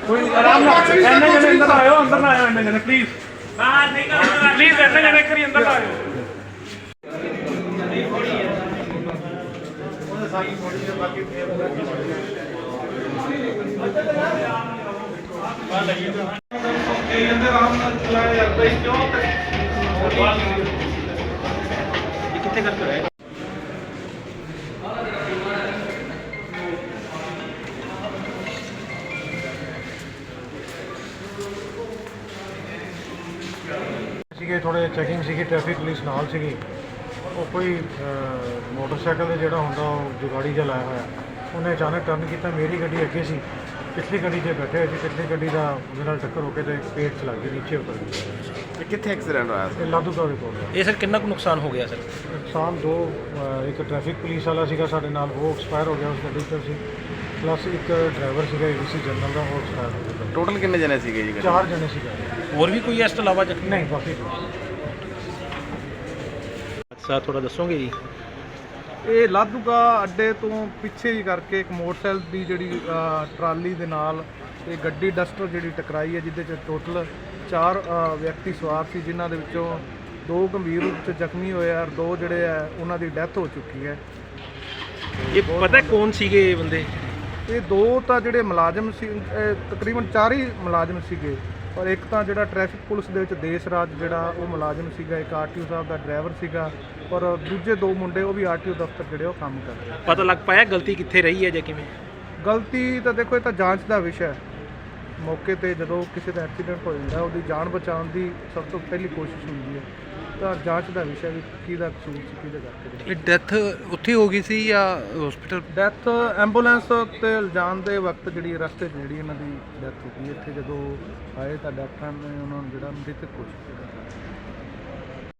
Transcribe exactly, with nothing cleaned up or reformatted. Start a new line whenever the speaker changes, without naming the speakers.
कोई आराम ना इन्ने जने अंदर आयो, अंदर ना आयो इन्ने जने प्लीज बाहर निकलो प्लीज इन्ने जने करी अंदर आयो। अंदर आराम ना चलाए यार भाई क्यों ये कितने करते हैं
ਸੀਗੇ ਥੋੜ੍ਹੇ ਚੈਕਿੰਗ ਸੀਗੀ, ਟ੍ਰੈਫਿਕ ਪੁਲਿਸ ਨਾਲ ਸੀਗੀ। ਉਹ ਕੋਈ ਮੋਟਰਸਾਈਕਲ ਤੇ ਜਿਹੜਾ ਹੁੰਦਾ ਉਹ ਜੁਗਾੜੀ ਜਿਹਾ ਲਾਇਆ ਹੋਇਆ, ਉਹਨੇ ਅਚਾਨਕ ਟਰਨ ਕੀਤਾ। ਮੇਰੀ ਗੱਡੀ ਅੱਗੇ ਸੀ, ਪਿਛਲੀ ਗੱਡੀ 'ਤੇ ਬੈਠੇ ਹੋਏ ਸੀ। ਪਿਛਲੀ ਗੱਡੀ ਦਾ ਉਹਦੇ ਨਾਲ ਟੱਕਰ ਹੋ ਕੇ ਤੇ ਪੇਟ 'ਚ ਲੱਗ ਗਈ, ਨੀਚੇ ਉਤਰ ਗਈ।
ਕਿੱਥੇ ਐਕਸੀਡੈਂਟ ਹੋਇਆ
ਇਹ ਲਾਧੂਕਾ ਦੇ ਕੋਲ।
ਇਹ ਸਰ ਕਿੰਨਾ ਕੁ ਨੁਕਸਾਨ ਹੋ ਗਿਆ ਸਰ?
ਨੁਕਸਾਨ ਦੋ, ਅਹ ਇੱਕ ਟ੍ਰੈਫਿਕ ਪੁਲਿਸ ਵਾਲਾ ਸੀਗਾ ਸਾਡੇ ਨਾਲ, ਉਹ ਐਕਸਪਾਇਰ ਹੋ ਗਿਆ ਉਸ ਗੱਡੀ 'ਚ ਸੀ। ਪਲੱਸ ਇੱਕ ਡਰਾਈਵਰ ਸੀਗਾ ਏਬੀਸੀ ਜਨਰਲ ਦਾ, ਉਹ ਐਕਸਪਾਇਰ ਹੋ ਗਿਆ।
ਟੋਟਲ ਕਿੰਨੇ ਜਣੇ ਸੀਗੇ ਜੀ?
ਚਾਰ ਜਣੇ ਸੀਗੇ।
ਹੋਰ ਵੀ ਕੋਈ ਇਸ ਤੋਂ ਇਲਾਵਾ ਜ਼ਖਮੀ?
ਨਹੀਂ, ਬਾਕੀ
ਅੱਛਾ, ਥੋੜਾ ਦੱਸੋਗੇ ਜੀ?
ਇਹ ਲਾਧੂਕਾ ਅੱਡੇ ਤੋਂ ਪਿੱਛੇ ਹੀ ਕਰਕੇ ਇੱਕ ਮੋਟਰਸਾਈਕਲ ਦੀ ਜਿਹੜੀ ਅ, ਟਰਾਲੀ ਦੇ ਨਾਲ ਇਹ ਗੱਡੀ ਡਸਟਰ ਜਿਹੜੀ ਟਕਰਾਈ ਹੈ, ਜਿਹਦੇ 'ਚ ਟੋਟਲ ਚਾਰ ਅ, ਵਿਅਕਤੀ ਸਵਾਰ ਸੀ, ਜਿਨ੍ਹਾਂ ਦੇ ਵਿੱਚੋਂ ਦੋ ਗੰਭੀਰ ਰੂਪ 'ਚ ਜ਼ਖਮੀ ਹੋਏ ਆ, ਦੋ ਜਿਹੜੇ ਆ ਉਹਨਾਂ ਦੀ ਡੈਥ ਹੋ ਚੁੱਕੀ ਹੈ।
ਇਹ ਪਤਾ ਕੌਣ ਸੀਗੇ ਇਹ ਬੰਦੇ?
ਇਹ ਦੋ ਤਾਂ ਜਿਹੜੇ ਮੁਲਾਜ਼ਮ ਸੀ, ਇਹ ਤਕਰੀਬਨ ਚਾਰ ਹੀ ਮੁਲਾਜ਼ਮ ਸੀਗੇ, ਔਰ ਇੱਕ ਤਾਂ ਜਿਹੜਾ ਟ੍ਰੈਫਿਕ ਪੁਲਿਸ ਦੇ ਵਿੱਚ ਦੇਸ਼ ਰਾਜ ਜਿਹੜਾ ਉਹ ਮੁਲਾਜ਼ਮ ਸੀਗਾ, ਇੱਕ ਆਰਟੀਓ ਸਾਹਿਬ ਦਾ ਡਰਾਈਵਰ ਸੀਗਾ, ਔਰ ਦੂਜੇ ਦੋ ਮੁੰਡੇ ਉਹ ਵੀ ਆਰਟੀਓ ਦਫ਼ਤਰ ਜਿਹੜੇ ਉਹ ਕੰਮ ਕਰਦੇ ਆ।
ਪਤਾ ਲੱਗ ਪਾਇਆ ਗਲਤੀ ਕਿੱਥੇ ਰਹੀ ਹੈ ਜਾਂ ਕਿਵੇਂ?
ਗਲਤੀ ਤਾਂ ਦੇਖੋ, ਇਹ ਤਾਂ ਜਾਂਚ ਦਾ ਵਿਸ਼ਾ ਹੈ। ਮੌਕੇ ਤੇ ਜਦੋਂ ਕਿਸੇ ਦਾ ਐਕਸੀਡੈਂਟ ਹੋ ਜਾਂਦਾ, ਉਹਦੀ ਜਾਨ ਬਚਾਉਣ ਦੀ ਸਭ ਤੋਂ ਪਹਿਲੀ ਕੋਸ਼ਿਸ਼ ਹੁੰਦੀ ਹੈ, ਤਾਂ ਜਾਂਚ ਦਾ ਵਿਸ਼ਾ ਵੀ ਕਿਹਦਾ ਕਸੂਰ ਸੀ, ਕਿਹਦੇ ਕਰਕੇ।
ਇਹ ਡੈਥ ਉੱਥੇ ਹੋ ਗਈ ਸੀ ਜਾਂ ਹਸਪੀਟਲ?
ਡੈਥ ਐਂਬੂਲੈਂਸ ਤੇ ਲਿਜਾਣ ਦੇ ਵਕਤ ਜਿਹੜੀ ਰਸਤੇ 'ਚ ਜਿਹੜੀ ਇਹਨਾਂ ਦੀ ਡੈਥ ਹੋ ਗਈ। ਇੱਥੇ ਜਦੋਂ ਆਏ ਤਾਂ ਡਾਕਟਰਾਂ ਨੇ ਉਹਨਾਂ ਨੂੰ ਜਿਹੜਾ ਮ੍ਰਿਤਕ ਘੋਸ਼ਿਤ ਕੀਤਾ।